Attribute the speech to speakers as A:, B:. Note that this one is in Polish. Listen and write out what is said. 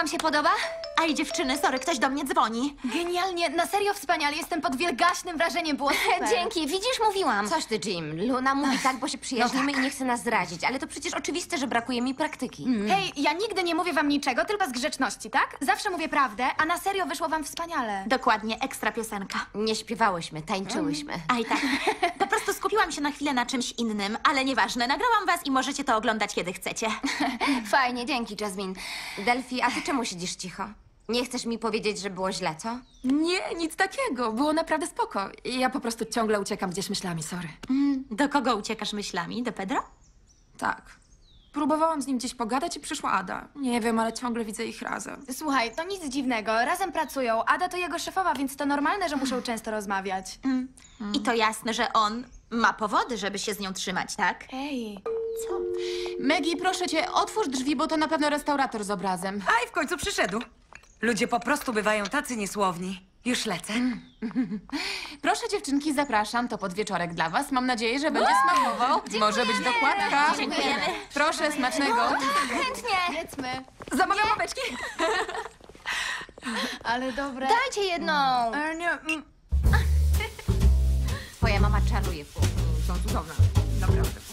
A: wam się podoba?
B: Aj, dziewczyny, sorry, ktoś do mnie dzwoni.
C: Genialnie, na serio wspaniale. Jestem pod wielgaśnym wrażeniem, było super.
A: Dzięki, widzisz, mówiłam.
D: Coś ty, Jim. Luna mówi tak, bo się przyjaźnimy i nie chce nas zrazić, ale to przecież oczywiste, że brakuje mi praktyki.
C: Hej, ja nigdy nie mówię wam niczego, tylko z grzeczności, tak? Zawsze mówię prawdę, a na serio wyszło wam wspaniale.
B: Dokładnie, ekstra piosenka.
D: Nie śpiewałyśmy, tańczyłyśmy.
B: Aj, tak. Po prostu skupiłam się na chwilę na czymś innym, ale nieważne, nagrałam was i możecie to oglądać, kiedy chcecie.
D: Fajnie, dzięki, Jasmine. Delphi, a ty czemu siedzisz cicho? Nie chcesz mi powiedzieć, że było źle, co?
E: Nie, nic takiego. Było naprawdę spoko. Ja po prostu ciągle uciekam gdzieś myślami, sorry.
B: Do kogo uciekasz myślami? Do Pedro?
E: Tak. Próbowałam z nim gdzieś pogadać i przyszła Ada. Nie wiem, ale ciągle widzę ich razem.
C: Słuchaj, to nic dziwnego, razem pracują. Ada to jego szefowa, więc to normalne, że muszą często rozmawiać.
B: I to jasne, że on ma powody, żeby się z nią trzymać, tak?
C: Ej,
B: Co?
F: Maggie, proszę cię, otwórz drzwi, bo to na pewno restaurator z obrazem.
G: A i w końcu przyszedł. Ludzie po prostu bywają tacy niesłowni. Już lecę.
F: Proszę dziewczynki, zapraszam, to podwieczorek dla was. Mam nadzieję, że będzie smakował. Może być dokładka.
B: Dziękujemy.
F: Proszę, smacznego.
A: Chętnie.
C: jedzmy.
E: Zamawiam ławeczki!
C: Ale dobre.
A: Dajcie jedną.
C: Nie,
D: Twoja mama czaruje w kuchni. Są cudowne.
E: Naprawdę.